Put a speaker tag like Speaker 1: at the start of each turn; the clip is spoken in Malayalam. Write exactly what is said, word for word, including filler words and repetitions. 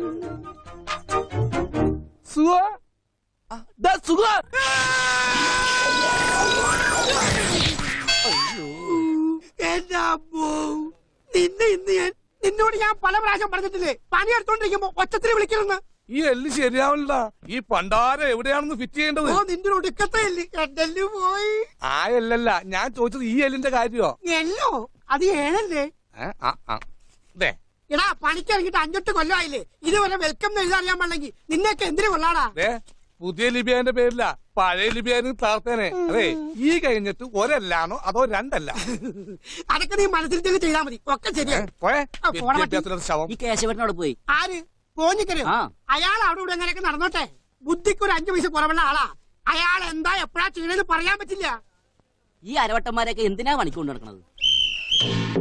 Speaker 1: സുഖ സുഖ
Speaker 2: എന്റെ അമ്മോ, നിന്നെ ഇന്ന് ഞാൻ നിന്നോട് ഞാൻ പല പ്രാവശ്യം പറഞ്ഞിട്ടില്ലേ പണിയെടുത്തോണ്ടിരിക്കുമ്പോ ഒച്ചത്തിൽ വിളിക്കണമെന്ന്.
Speaker 1: ഈ എല്ല് ശരിയാവില്ല. ഈ പണ്ടാരം എവിടെയാണെന്ന് ഫിറ്റ് ചെയ്യേണ്ടത്?
Speaker 2: ഓ നിന്റെ ഒടുക്കത്തെ എല്ല് എന്റെ പോയി.
Speaker 1: ആ എല്ലല്ല, ഞാൻ ചോദിച്ചത് ഈ എല്ലിന്റെ കാര്യോ?
Speaker 2: എല്ലോ അത് ഏഴല്ലേ? എടാ പണിക്കിറങ്ങിട്ട് അഞ്ചെട്ട് കൊല്ലമായില്ലേ, ഇതുവരെ വെൽക്കം എന്ന് എഴുതാൻ അറിയാൻ പാടില്ലെങ്കിൽ നിന്നെയൊക്കെ എന്തിനു കൊള്ളാടാ?
Speaker 1: പുതിയ ലിബിയാന്റെ പേരില്ല, പഴയ ലിബിയാനും താർത്തേനെ. അതെ, ഈ കഴിഞ്ഞിട്ട് ഒരല്ലാണോ അതോ രണ്ടല്ല?
Speaker 2: അതൊക്കെ നീ മനസ്സിൽ തന്നെ ചെയ്താൽ മതി, ഒക്കെ ശരിയാ.
Speaker 1: ശവം
Speaker 3: ഈ കേശവനോട് പോയി.
Speaker 2: ആര് പോഞ്ഞിക്കരു? അയാൾ അവിടെ ഇവിടെ എങ്ങനെയൊക്കെ നടന്നോട്ടെ, ബുദ്ധിക്ക് ഒരു അഞ്ചു പൈസ കുറവുള്ള ആളാ. അയാൾ എന്താ എപ്പോഴാ ചെയ്യണെന്ന് പറയാൻ പറ്റില്ല.
Speaker 3: ഈ അരവട്ടന്മാരെയൊക്കെ എന്തിനാ പണിക്കൊണ്ട് നടക്കണത്?